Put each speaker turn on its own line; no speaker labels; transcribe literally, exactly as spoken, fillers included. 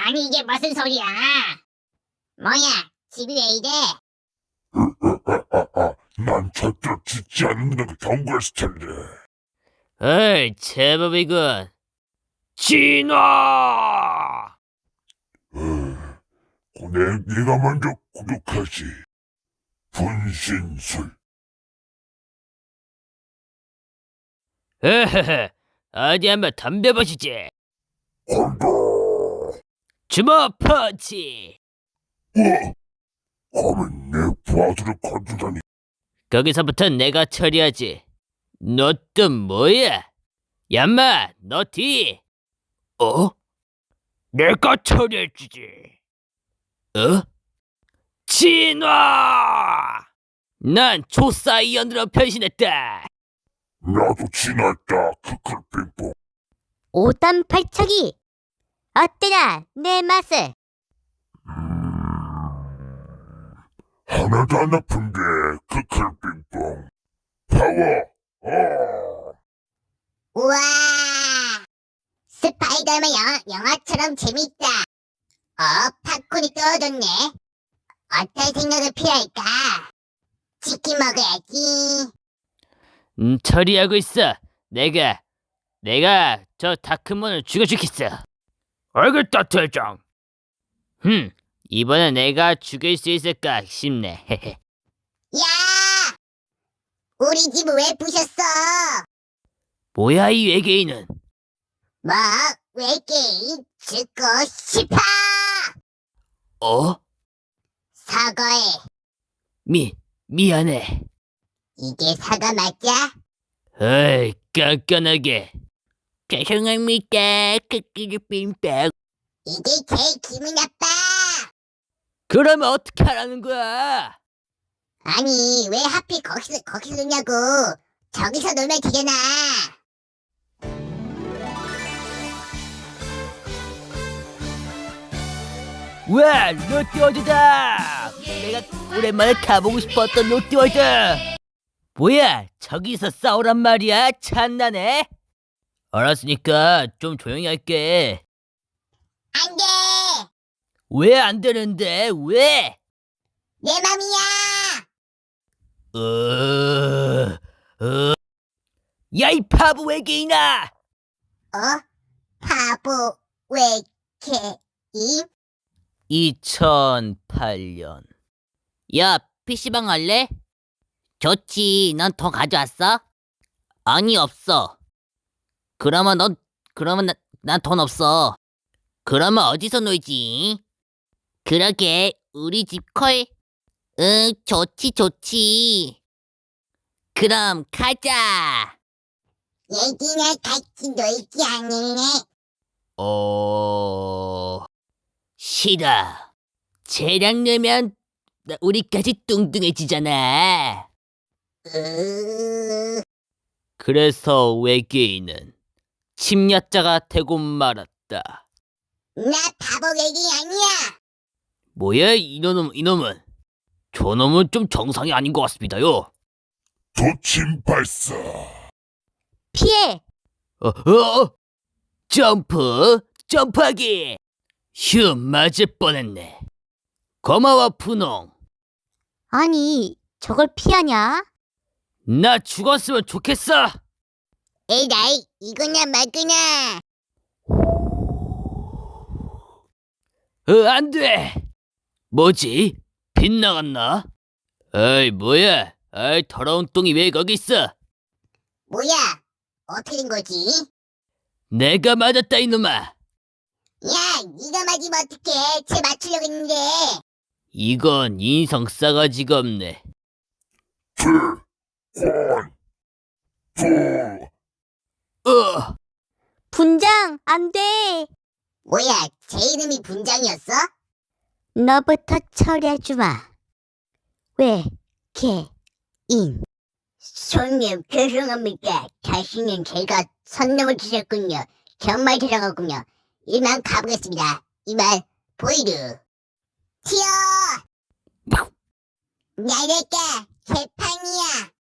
아니 이게 무슨 소리야? 뭐야, 집이 왜 이래?
난 절대로 짓지 않는다고 경고했을 텐데.
어이, 제법이군. 진화!
어, 내, 네가 먼저 구독하지. 분신술.
으흐흐, 어디 한번 덤벼보시지.
간다.
주먹 펀치!
어? 감히 내 부하들을 건드다니.
거기서부터 내가 처리하지. 너 또 뭐야? 얌마, 너 뒤! 어? 내가 처리해주지. 어? 진화! 난 초사이언으로 변신했다.
나도 진화했다. 크클 빙봉.
오단 발차기! 어때나 내 맛을?
하나도 안 아픈데 크클 빙봉. 파워. 어.
우와! 스파이더맨 영화, 영화처럼 재밌다. 어, 팝콘이 떨어졌네. 어떤 생각을 필요할까? 치킨 먹어야지.
음, 처리하고 있어. 내가, 내가 저 다크몬을 죽여주겠어. 알겠다, 대장. 흠, 이번엔 내가 죽일 수 있을까 싶네. 헤헤.
야! 우리 집 왜 부셨어?
뭐야, 이 외계인은?
뭐, 외계인 죽고 싶어!
어?
사과해.
미, 미안해.
이게 사과 맞자?
어이, 깐깐하게. 죄송합니다, 크크르 빙빵.
이게 제일 기분 나빠!
그러면 어떻게 하라는 거야?
아니, 왜 하필 거기서, 거기서 놀냐고! 저기서 놀면 되잖아!
와, 롯데월드다! 내가 오랜만에 가보고 싶었던 롯데월드! 뭐야, 저기서 싸우란 말이야? 찬나네? 알았으니까 좀 조용히 할게.
안 돼!
왜 안 되는데? 왜?
내 맘이야!
어... 어... 야, 이 바보 외계인아!
어? 바보, 외계인?
이천팔 년. 야, 피시방 할래? 좋지. 넌 돈 가져왔어? 아니, 없어. 그러면 넌, 그러면 난 돈 없어. 그러면 어디서 놀지? 그러게, 우리 집 콜? 응, 좋지, 좋지. 그럼 가자.
얘기나 같이 놀지 않을래?
어... 싫어. 쟤랑 놀면 나- 우리까지 뚱뚱해지잖아.
으...
그래서 외계인은 침략자가 되고 말았다.
나 바보 외계인 아니야!
뭐야, 이놈은, 이놈은? 저놈은 좀 정상이 아닌 것 같습니다요.
도침 발사.
피해!
어, 어? 점프, 점프하기! 휴, 맞을 뻔했네. 고마워, 푸농.
아니, 저걸 피하냐?
나 죽었으면 좋겠어.
에라이, 이거냐 말거냐!
어, 안 돼. 뭐지? 빗나갔나? 어이, 뭐야? 어이, 더러운 똥이 왜 거기 있어?
뭐야? 어떻게 된 거지?
내가 맞았다, 이놈아.
야, 네가 맞으면 어떡해? 쟤 맞추려고 했는데.
이건 인성 싸가지가 없네.
트. 권. 부.
어,
분장, 안 돼. 뭐야, 제 이름이 분장이었어? 너부터 처리해주마. 왜, 개, 인. 손님, 죄송합니다. 다시는 제가 선 넘어주셨군요. 정말 죄송하군요. 이만 가보겠습니다. 이만, 보이르. 튀어! 나랄까, 개판이야.